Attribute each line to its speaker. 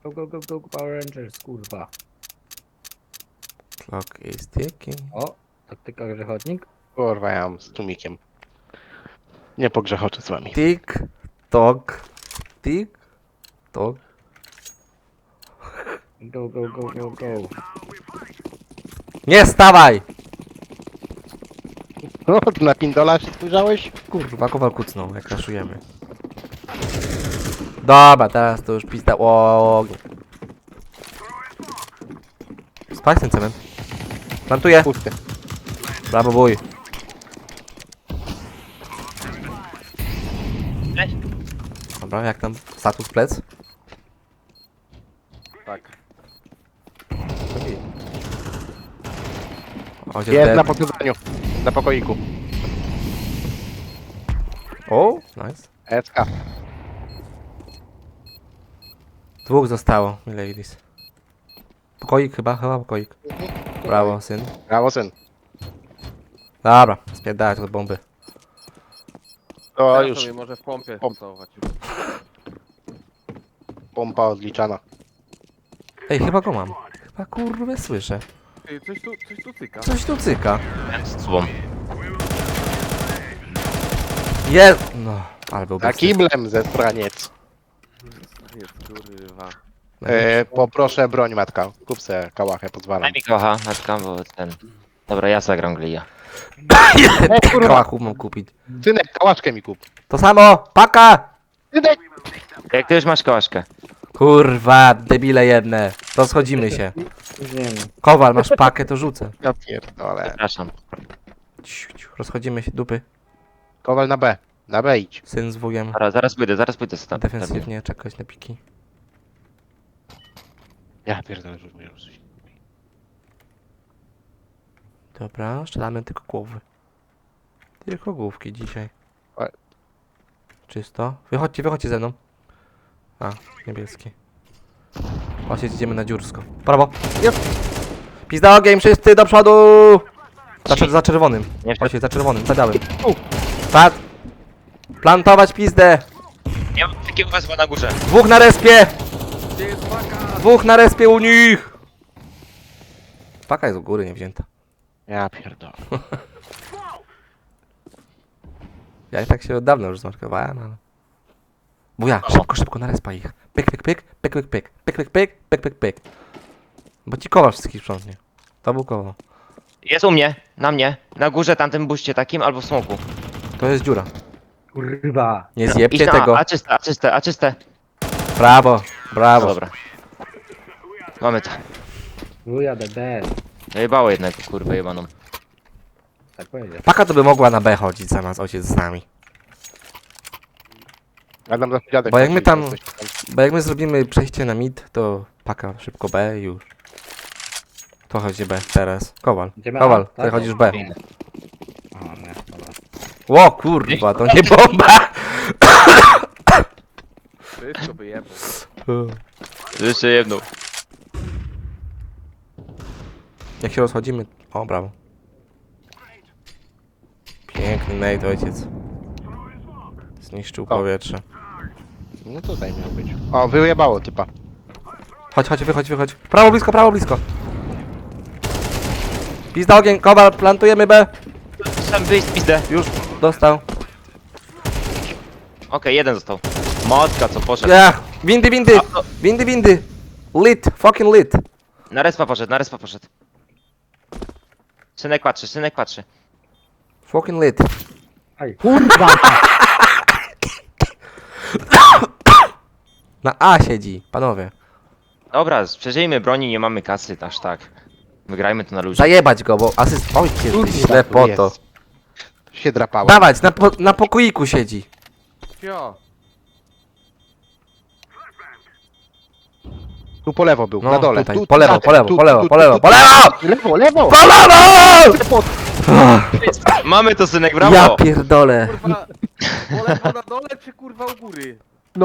Speaker 1: Go, go, go, go, Power Rangers, kurwa.
Speaker 2: Clock is ticking.
Speaker 1: O, taktyka grzechodnik.
Speaker 3: Kurwa, ja mam z tłumikiem. Nie pogrzechoczę z wami.
Speaker 2: Tik, tok, tik, tok.
Speaker 1: Go, go, go, go, go.
Speaker 2: Nie stawaj!
Speaker 3: No, na Pindola się spojrzałeś?
Speaker 2: Kurwa, kowal kucnął, jak raszujemy. Dobra, teraz to już pizda. O. Spać ten cement. Plantuję.
Speaker 3: Pusty.
Speaker 2: Brawo, bój. Dobra, jak tam status plec?
Speaker 3: Tak.
Speaker 2: Ojciec
Speaker 3: Jest
Speaker 2: dead.
Speaker 3: na podchodzeniu. Na pokoiku.
Speaker 2: O, nice.
Speaker 3: SK.
Speaker 2: Dwóch zostało, mi ladies. Pokoik chyba pokoik. Brawo, syn.
Speaker 3: Brawo, syn.
Speaker 2: Dobra, spierdalać od bomby.
Speaker 3: To
Speaker 4: Teraz
Speaker 3: już
Speaker 4: sobie może w pompie
Speaker 3: Pomp.
Speaker 4: całować.
Speaker 3: pompa odliczana.
Speaker 2: Ej, chyba go mam. Chyba kurwę słyszę.
Speaker 4: Ej, coś tu cyka.
Speaker 2: Coś tu cyka.
Speaker 5: Z tobą.
Speaker 2: Jest! No, ale był
Speaker 3: Na
Speaker 2: bysty.
Speaker 3: kiblem ze straniec.
Speaker 4: Jest kurwa.
Speaker 3: Poproszę broń, matka. Kup se kałachę, pozwalam.
Speaker 5: Daj mi kocha, matka, bo ten... Dobra, ja zagram Glia.
Speaker 2: Kałachu mam kupić.
Speaker 3: Synek, kałaszkę mi kup.
Speaker 2: To samo! Paka!
Speaker 3: Synek!
Speaker 5: Jak ty już masz kołaszkę?
Speaker 2: Kurwa, debile jedne. To schodzimy się.
Speaker 1: Później.
Speaker 2: Kowal, masz pakę, to rzucę.
Speaker 3: Ja pierdolę.
Speaker 5: Przepraszam.
Speaker 2: Ciu, ciu, rozchodzimy się, dupy.
Speaker 3: Kowal na B. Na B idź.
Speaker 2: Syn z wujem.
Speaker 5: Dobra, zaraz pójdę stąd.
Speaker 2: Defensywnie czekać na piki.
Speaker 3: Ja pierdolę, rzuć mnie rzuć.
Speaker 2: Dobra, strzelamy tylko głowy. Tylko główki dzisiaj.
Speaker 3: Ale-
Speaker 2: Czysto. Wychodźcie ze mną. A, niebieskie. Ojciec, idziemy na dziursko. Prawo. Pizda ogień, wszyscy do przodu! Za czerwonym.
Speaker 5: Nie
Speaker 2: Ojciec, za czerwonym, za białym. Pat! Plantować pizdę!
Speaker 5: Nie mam takiego wezwa na górze.
Speaker 2: Dwóch na respie!
Speaker 4: Gdzie jest paka?
Speaker 2: Dwóch na respie u nich! Paka jest u góry, nie wzięta.
Speaker 3: Ja pierdolę.
Speaker 2: Ja i tak się od dawna już zmarkowałem, ale... Buja, szybko na respa ich. Pyk, pyk, pyk, pyk, pyk, pyk, pyk, pyk, pyk, pyk, pyk, pyk. Bo ci kowa wszystkich sprzątnie. To był koło.
Speaker 5: Jest u mnie, na mnie. Na górze tamtym buście takim albo w smoku.
Speaker 2: To jest dziura.
Speaker 1: Kurwa.
Speaker 2: Nie
Speaker 5: Idź
Speaker 2: zjebcie
Speaker 5: na
Speaker 2: tego.
Speaker 5: A czyste.
Speaker 2: Brawo,
Speaker 5: No
Speaker 2: brawo.
Speaker 5: dobra. Mamy to.
Speaker 1: Wuja, dead.
Speaker 5: Zajebało jednego, kurwę jebaną.
Speaker 1: Tak powiedział.
Speaker 2: Paka to by mogła na B chodzić zamiast ojciec z nami.
Speaker 3: Ja dam za dziadek.
Speaker 2: Bo jak my tam-
Speaker 3: Coś tam.
Speaker 2: Bo jak my zrobimy przejście na mid, to paka szybko B i już. To chodzi B teraz. Kowal.
Speaker 1: Idziemy
Speaker 2: Kowal,
Speaker 1: A,
Speaker 2: ty
Speaker 1: tak?
Speaker 2: chodzisz B.
Speaker 1: O, nie, dobra.
Speaker 2: Ło kurwa, to nie bomba!
Speaker 4: Wszystko wyjebał.
Speaker 5: Jeszcze jedną.
Speaker 2: Jak się rozchodzimy... O, brawo. Piękny nade, ojciec. Zniszczył powietrze.
Speaker 3: No to tutaj miał być. O, wyjebało typa.
Speaker 2: Chodź, wychodź. Prawo blisko. Pizda ogień, kowal, plantujemy B.
Speaker 5: Sam wyjść pizdę.
Speaker 2: Już dostał.
Speaker 5: Okej, jeden został. Motka, co poszedł.
Speaker 2: Ja, windy. Lit, fucking lit.
Speaker 5: Na respa poszedł. Synek patrzy.
Speaker 2: Fucking lit.
Speaker 1: Aj, kurwa!
Speaker 2: Na A siedzi, panowie.
Speaker 5: Dobra, przeżyjmy broni, nie mamy kasy, aż tak. Wygrajmy to na luzie.
Speaker 2: Zajebać go, bo asyst... Oj, ty
Speaker 3: Kurwa,
Speaker 2: ślepoto.
Speaker 3: jest. Się drapałem.
Speaker 2: Dawać, na pokoiku siedzi.
Speaker 4: Fio.
Speaker 3: Tu po lewo był,
Speaker 2: No,
Speaker 3: na dole.
Speaker 2: tutaj,
Speaker 3: Tu,
Speaker 2: po lewo,
Speaker 3: zatem,
Speaker 2: po lewo,
Speaker 3: tu,
Speaker 2: po lewo,
Speaker 3: tu,
Speaker 2: po
Speaker 3: tu,
Speaker 2: lewo,
Speaker 3: tu,
Speaker 2: po lewo!
Speaker 3: Lewo!
Speaker 2: Po lewo!
Speaker 5: Mamy to, synek, brawo!
Speaker 2: Ja pierdolę.
Speaker 4: Kurwa. Po lewo na dole czy kurwa u góry?